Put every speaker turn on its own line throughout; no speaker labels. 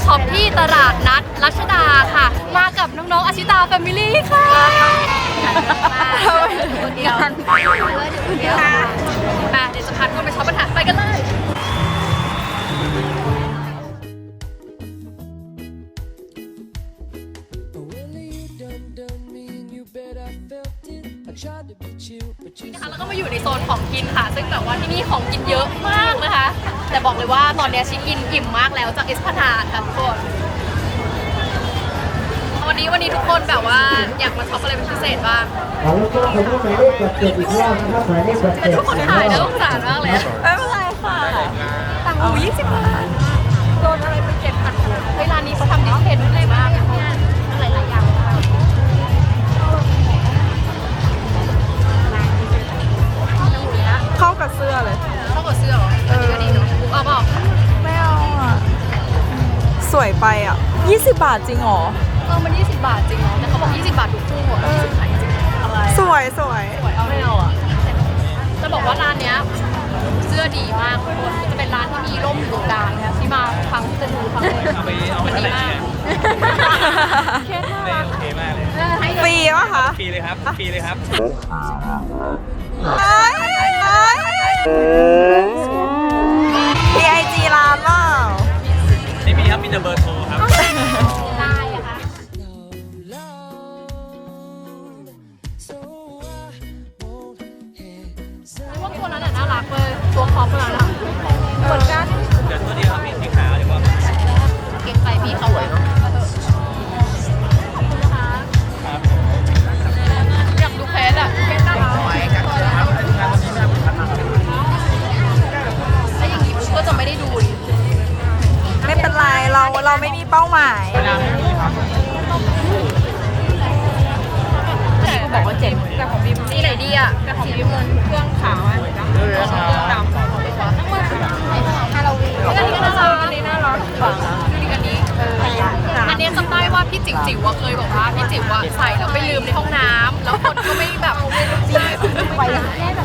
ช็อปที่ตลาดนัดรัชดาค่ะมากับน้องๆอาชิตาแฟมิลี่ค่ะคนเดียวเดี๋ยวจะพาคุณไปช็อปปัญหาไปกันเลย นะคะแล้วก็มาอยู่ในโซนของกินค่ะซึ่งแบบว่าที่นี่ของกินเยอะมากนะคะแต่บอกเลยว่าตอนนี้ชิคกินอิ่มมากแล้วจากเอสพนาดค่ะทุกคนวันนี้ทุกคนแบบว่าอยากมาช็อปอะไรเป็นพิเศษบ้างแต่ทุกคนขายแล้วสงสารมากเลยไม่เป็นไรค่ะต่างหู20 บาทโดนอะไรเป็น7,000เวลานี้เขาทำดิสเพนต์อะไรมากหลายอย่าง
เข้ากับเสื้อเลย
เข้ากับเสื้อเหรออันนี้ก็ดีเนาะเอาเปล่า
ไม่เอาอ่ะ สวยไปอ่ะ20 บาทจริงเหรอ
มัน20 บาทจริงเหรอแต่เขาบอก20 บาททุกคู่อ่ะ20 บาทจริงอะไร
สวย
สวยเอาไม่เอาอ่ะจะบอกว่าร้านเนี้ยเสื้อดีมากทุกคนจะเป็นร้านที่มีร่มอยู่ตรงกลางนะที่มาครั้งจะดูครั้งเลยมันดีมากเคสน่ารัก
โอเคมากเลย
ฟรีป่ะคะ
ฟรีเลยครับฟรีเลยครับ
มีไอจีร้านเปล่า
นี่มีครับมีแต่เบอร์โทรครับ
ได้อะค่ะพวกตัวนั้นน่ารักเลยตัวคอปนั้นอ่ะเหมือนกัน
เดี๋ยวตัวเดียวครับมีสีขาวเดี๋ยวว่า
เก็บไปพี่เขาไว้เนาะขอบคุณนะคะอยากดูเพจอ่ะเพจน่ารักแล้วอย่างนี้ก็จะไม่ได้ดูดิ
ไม่เป็นไร เราไม่มีเป้าหมาย
บอกว่าเจ๋งแต่ของบิมนี่ไหนดีอ่ะแต่ของบิมมันเครื่องขาวอ่ะเครื่องดำทั้งหมดฮาโลวีนอันนี้ก็น่ารักอันนี้น่ารักฝั่งดูดิอันนี้อันนี้จำได้ว่าพี่จิ๋วเคยบอกว่าพี่จิ๋วใส่แล้วไปลืมในห้องน้ำแล้วคนก็ไม่แบบไปแค่แบบ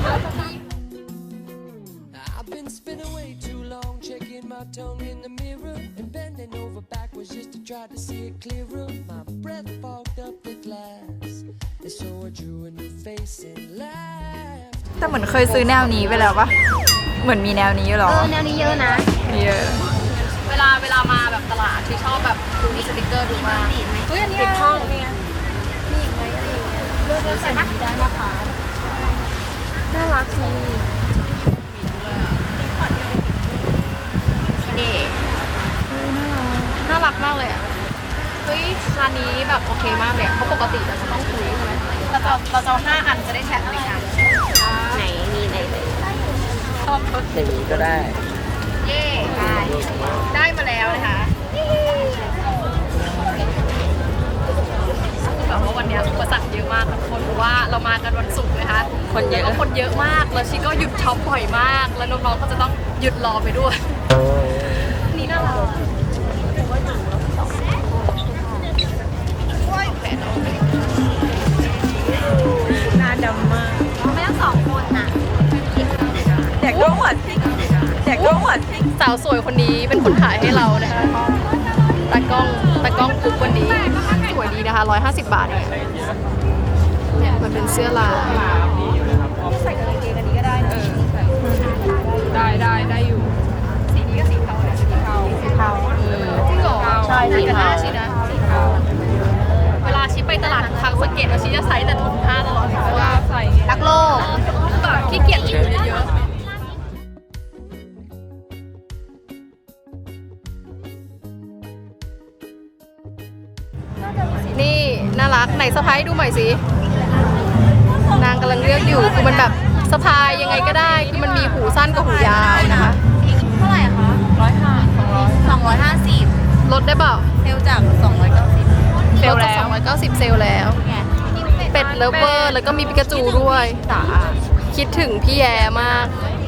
I've been spinning way too long, checking my tongue in the mirror and bending over backwards just to try to see it clearer. My breath fogged up the glass, and so I drew a new face and laughed.
แต่เหมือนเคยซื้อแนวนี้ไปแล้วปะเหมือนมีแนวนี้อยู่หรอ
แนวนี้เยอะนะ
เยอะ
เวลามาแบบตลาดที่ชอบแบบดูมีสติกเกอร์ดูมากเฮ้ยอันนี้ติดห้องนี่มีอีกไหมอะไรอย่างเงี้ยเลือกใส่ได้นะคะน่ารักสินี่น่ารักมากเลยอ่ะเฮ้ยร้านนี้แบบโอเคมากเลยเพราะปกติเราจะต้องคุยใช่ไหมเราจะเอา5 อันจะได้แชร์ในกันไหนมีไหนชอบรถ
อย่างนี้ก็ได้
เย่ได้มาแล้วนะคะแบบว่าวันนี้อุปสรรคเยอะมากทุกคนเพราะว่าเรามากันวันศุกร์นะคะคนเยอะมากแล้วชิก็หยุดช็อปบ่อยมากแล้วน้องๆก็จะต้องหยุดรอไปด้วยนี่น่ารัก
หน้าดำมาก
ไม่ต้อง2 คนนะ
แดกก็หัวซิกแดกก็หัวซิก
สาวสวยคนนี้เป็นคนถ่ายให้เรานะคะตากล้องกุ๊กวันนี้สวยดีนะคะ150 บาทเองเนี่ยมันเป็นเสื้อลายใส่กับกางเกงอันนี้ก็ได้
ได้อยู่
สีนี้ก็สีเทาเลยสีเทาจริงเหรอใช่สีเทาชีนะเวลาชีไปตลาดทางสังเกตว่าชีจะใส่แต่ถุงผ้าตลอดเพราะว่าใส่รักโลกแบบขี้เกียจถือเยอะนี่น่ารักไหนสะพายดูหน่อยสินางกำลังเลือกอยู่คือมันแบบสะพายยังไงก็ได้คือมันมีหูสั้นกับหูยาวนะคะเท่าไหร่คะ250ลดได้เปล่าเซลจาก290เซลแล้ว290เซลแล้วเป็ดเลิฟเวอร์แล้วก็มีปิกาจูด้วยคิดถึงพี่แย่มาก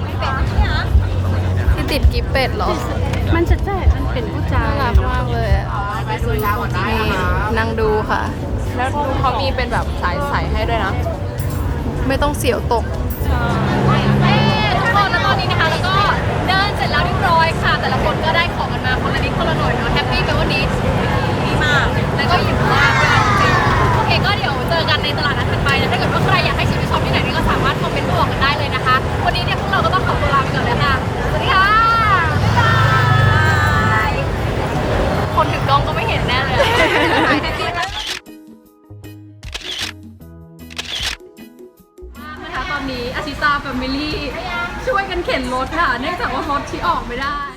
ที่ติดกิฟเป็ดเหรอมันจะแจกมันเป็นผู้ชายน่ารักมากเลยนี่นั่งดูค่ะ
แล้วดูเขามีเป็นแบบสายใส่ให้ด้วยนะ
ไม่ต้องเสียวตกทุกคนแล้วตอนนี้นะคะแล้วก็เดินเสร็จแล้วเรียบร้อยค่ะแต่ละคนก็ได้ของกันมาคนละนิดคนละหน่อยเนาะแฮปปี้กันวันนี้ดีมากแล้วก็อิ่มมากด้วยจริงโอเคก็เดี๋ยวเจอกันในตลาดนัดถัดไปนะถ้าเกิดว่าใครอยากให้ชิมไปช็อปที่ไหนนี่ก็สามารถคอมเมนต์บอกกันได้เลยนะคะวันนี้เนี่ยพวกเราก็ต้องขอตัวลาไปก่อนเลยค่ะสวัสดีค่ะบ๊ายบายคนถือกล้องก็ไม่เห็นแน่เลยนะคะตอนนี้อาชิตาแฟมิลี่ช่วยกันเข็นรถค่ะเนื่องจากว่ารถที่ออกไม่ได้